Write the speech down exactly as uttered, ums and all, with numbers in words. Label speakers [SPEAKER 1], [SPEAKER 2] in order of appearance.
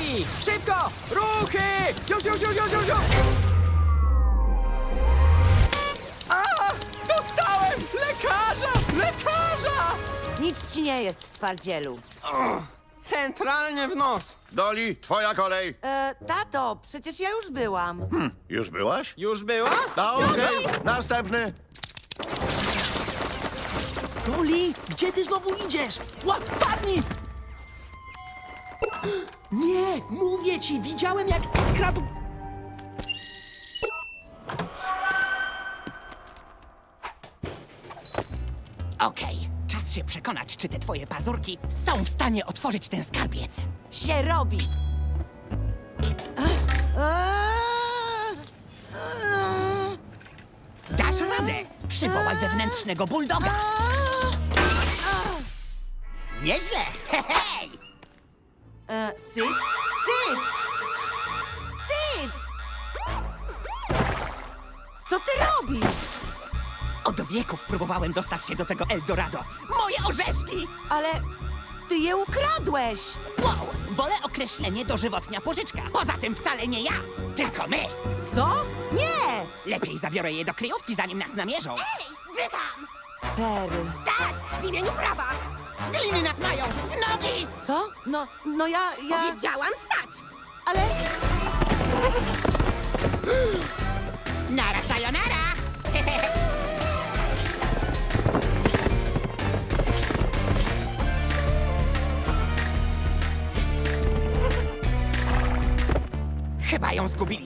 [SPEAKER 1] Ruchy! Szybko! Ruchy! Już, już, już, już, już! już. A! Dostałem! Lekarza! Lekarza!
[SPEAKER 2] Nic ci nie jest, twardzielu.
[SPEAKER 1] Centralnie w nos.
[SPEAKER 3] Doli, twoja kolej.
[SPEAKER 2] E, tato, przecież ja już byłam.
[SPEAKER 3] Już byłaś?
[SPEAKER 1] Już była?
[SPEAKER 3] A okej, następny.
[SPEAKER 4] Doli, gdzie ty znowu idziesz? Łap, padnij! Nie, mówię ci, widziałem jak Sid kradł...
[SPEAKER 5] Okej, czas się przekonać, czy te twoje pazurki są w stanie otworzyć ten skarbiec.
[SPEAKER 2] Się robi.
[SPEAKER 5] Dasz radę! Przywołaj wewnętrznego buldoga! Nieźle! Hej!
[SPEAKER 2] E, Syd? Syd! Syd! Co ty robisz?
[SPEAKER 5] Od wieków próbowałem dostać się do tego Eldorado. Moje orzeszki!
[SPEAKER 2] Ale ty je ukradłeś.
[SPEAKER 5] Wow! Wolę określenie dożywotnia pożyczka. Poza tym wcale nie ja, tylko my.
[SPEAKER 2] Co? Nie!
[SPEAKER 5] Lepiej zabiorę je do kryjówki, zanim nas namierzą.
[SPEAKER 6] Ej, wy tam!
[SPEAKER 2] Perl.
[SPEAKER 6] Stać! W imieniu prawa!
[SPEAKER 5] Gliny nas mają! W nogi!
[SPEAKER 2] Co? No, no ja, ja...
[SPEAKER 6] Powiedziałam stać!
[SPEAKER 2] Ale...
[SPEAKER 5] Nara sayonara! Chyba ją zgubili.